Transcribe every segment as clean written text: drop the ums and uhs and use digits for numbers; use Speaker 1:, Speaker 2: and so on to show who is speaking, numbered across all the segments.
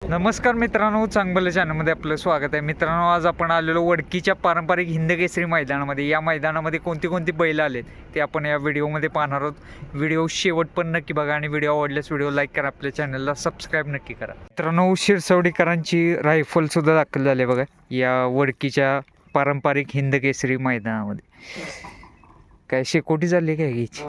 Speaker 1: नमस्कार मित्रांनो, चांगलं चॅनलमध्ये आपलं स्वागत आहे. मित्रांनो, आज आपण आलेलो वडकीच्या पारंपरिक हिंदकेसरी मैदानामध्ये. या मैदानामध्ये कोणती कोणती बैल आलेत ते आपण या व्हिडिओमध्ये पाहणार आहोत. व्हिडिओ शेवट पण नक्की बघा आणि व्हिडिओ आवडल्यास व्हिडिओ लाईक करा, आपल्या चॅनलला सबस्क्राईब नक्की करा. मित्रांनो, शिरसवडीकरांची रायफलसुद्धा दाखल झाली बघा या वडकीच्या पारंपरिक हिंदकेसरी मैदानामध्ये. काय शेकोटी झाली काय घ्यायची?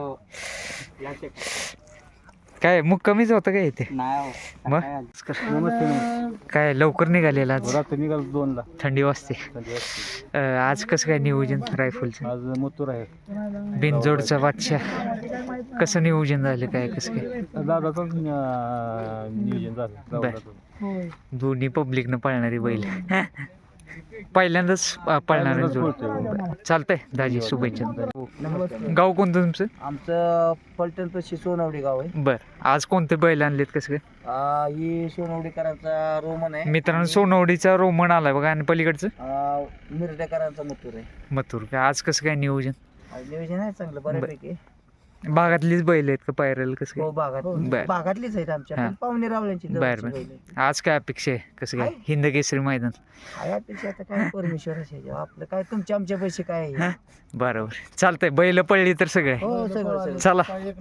Speaker 1: काय मग कमीच होतं काय इथे? मग काय लवकर निघालेला आज?
Speaker 2: दोनला
Speaker 1: थंडी वाजते. आज कसं काय नियोजन रायफलचं?
Speaker 2: आज मथुर आहे.
Speaker 1: बिनजोडचा बादशाह कसं नियोजन झालं काय कसं काय?
Speaker 2: दादाचंच नियोजन झालं.
Speaker 1: दोन्ही पब्लिकनं पळणारी बैल पहिल्यांदाच पळणार चालतंय. दाजी शुभेच्छा. गाव कोणतं तुमचं?
Speaker 3: आमचं पलटण पशी सोनवडी गाव आहे.
Speaker 1: बर, आज कोणते बैल आणलेत कसं काय?
Speaker 3: ही सोनवडीकरांचा रोमन आहे.
Speaker 1: मित्रांनो, सोनवडीचा रोमन आलाय बघा आणि पलीकडचं
Speaker 3: मिरडेकरांचा मथुर आहे.
Speaker 1: मथुर. काय आज कसं काय नियोजन?
Speaker 3: नियोजन आहे चांगलं बऱ्यापैकी.
Speaker 1: भागातलीच बैल आहेत का पायरेल कसं
Speaker 3: हो,
Speaker 1: काय?
Speaker 3: भागातलीच आहेत आमच्या,
Speaker 1: हा.
Speaker 3: पण पाहुणे रावळ्यांची
Speaker 1: बर बर. आज काय अपेक्षा आहे कसं काय हिंदकेसरी मैदान?
Speaker 3: यापेक्षा आता काय परमेश्वराचे आपलं काय, तुमच्या आमच्या पैसे काय आहे?
Speaker 1: बरोबर, चालतंय. बैल पडली तर सगळे.
Speaker 3: हो, सगळं
Speaker 1: चला,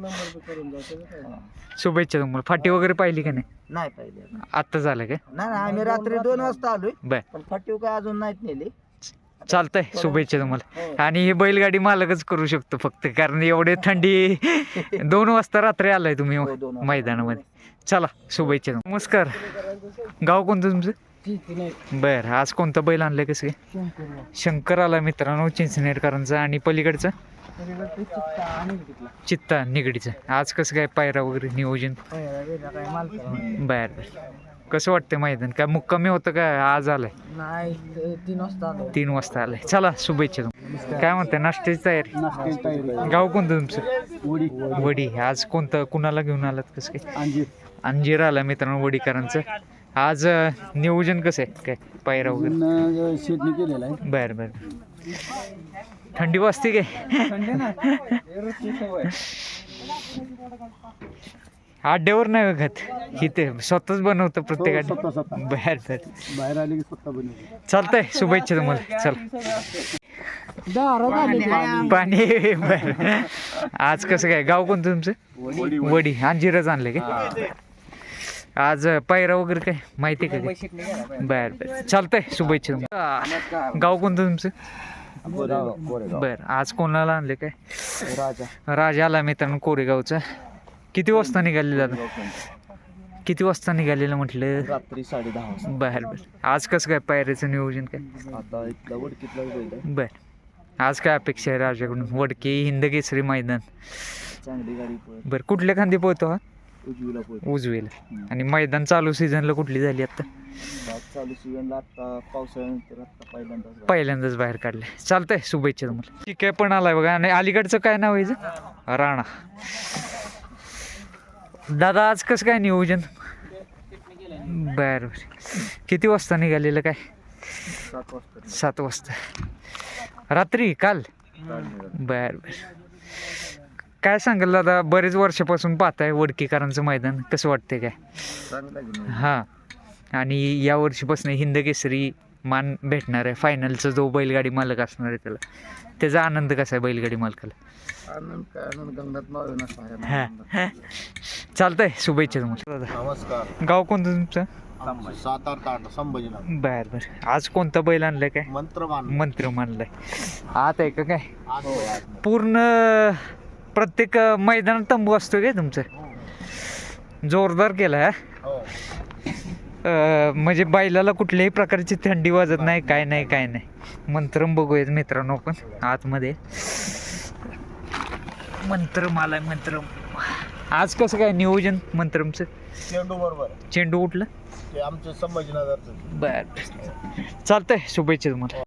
Speaker 1: शुभेच्छा तुम्हाला. फाटी वगैरे पाहिली का नाही?
Speaker 3: नाही पाहिजे.
Speaker 1: आत्ता झालं काय?
Speaker 3: नाही, आम्ही रात्री 2 वाजता आलोय,
Speaker 1: बर,
Speaker 3: पण फाटीव काय अजून नाहीत नेली.
Speaker 1: चालतंय. शुभेच्छा तुम्हाला. आणि हे बैलगाडी मालकच करू शकतो फक्त, कारण एवढे थंडी 2 वाजता रात्री आलाय तुम्ही मैदानामध्ये. चला, शुभेच्छा. नमस्कार. गाव कोणतं तुमचं? बर, आज कोणता बैल आणलाय कसं काय? शंकर आला मित्रांनो चिंचनेरकरांचा. आणि पलीकडचं चित्ता निगडीचं. आज कसं काय पायरा वगैरे नियोजन? बर बर. कसं वाटतं मैदान? काय मुक्कामी होतं का आज आलंय?
Speaker 3: नाही, 3 वाजता आलो.
Speaker 1: 3 वाजता आलंय. चला, शुभेच्छा. काय म्हणताय, नाश्त्याची तयारी? गाव कोणतं तुमचं? वडी. आज कोणतं कुणाला घेऊन आलात कसं काय? अंजीर आला मित्रांनो वडीकरांचं. आज नियोजन कसं आहे काय पायरा वगैरे?
Speaker 2: शेतनी केलेला आहे.
Speaker 1: बर बर. थंडी वाजते काय? आड्यावर नाही बघत, इथे स्वतःच बनवतं प्रत्येक. बर बर.
Speaker 2: बाहेर आले की स्वतः बनवले.
Speaker 1: चालतंय, शुभेच्छा तुम्हाला. चल, पाणी. बर. आज कसं काय गाव कोणतं तुमचं? वडी. अंजीरच आणले काय? आज पायरा वगैरे काय माहिती का? बर बर, चालतंय. शुभेच्छा तुम्हाला. गाव कोणतं तुमचं? बर. आज कोणाला आणले काय? राजा आला मित्रांनो कोरेगावचा. किती वाजता निघाले दादा? किती वाजता निघालेलं म्हटलं?
Speaker 3: रात्री 10:30.
Speaker 1: बर बर. आज कसं काय पायऱ्याचं नियोजन काय?
Speaker 3: आता इथला वडकीतला बैल आहे.
Speaker 1: बर. आज काय अपेक्षा आहे राजाकडून? वडकी हिंदकेसरी मैदान.
Speaker 3: चांगली गाडी.
Speaker 1: बर, कुठल्या खांदी पोहतो हा?
Speaker 3: उजवीला.
Speaker 1: उजवीला. आणि मैदान चालू सीझनला कुठली झाली आता?
Speaker 3: चालू सीझनला आता पावसाळ्यानंतर आता
Speaker 1: पहिल्यांदाच बाहेर काढले. चालतंय, शुभेच्छा तुम्हाला. ठीक आहे, पण आलाय बघा. आणि अलीकडचं काय नाव आहे? राणा. दादा आज कसं काय नियोजन? बर बर. किती वाजता निघालेलं काय? 7 वाजता. रात्री काल? बर बर. काय सांगाल दादा, बरेच वर्षापासून पाहताय वडकीकरांचं मैदान, कसं वाटतंय काय? हां. आणि या वर्षीपासून हिंदकेसरी मान भेटणार आहे. फायनलचा जो बैलगाडी मालक असणार आहे त्याचा आनंद कसा आहे बैलगाडी मालकाला? हां, चालतंय. शुभेच्छा तुम्हाला.
Speaker 2: नमस्कार.
Speaker 1: गाव कोणतं तुमचं?
Speaker 2: सातारा संभाजीनगर.
Speaker 1: बर बर. आज कोणता बैल आणलाय काय? मंत्र मानलाय. आत आहे का काय? पूर्ण प्रत्येक मैदानात तंबू असतो काय तुमचं? जोरदार केला. म्हणजे बैलाला कुठल्याही प्रकारची थंडी वाजत नाही, काय नाही काय नाही. मंत्रम बघूयात मित्रांनो आपण आतमध्ये. मंत्रम आलाय. मंत्रम. आज कसं काय नियोजन मंत्रमचं?
Speaker 2: चेंडू बरोबर.
Speaker 1: चेंडू उठलं?
Speaker 2: आमचं संभाजीनगरचं.
Speaker 1: बर, चालतंय. शुभेच्छा तुम्हाला.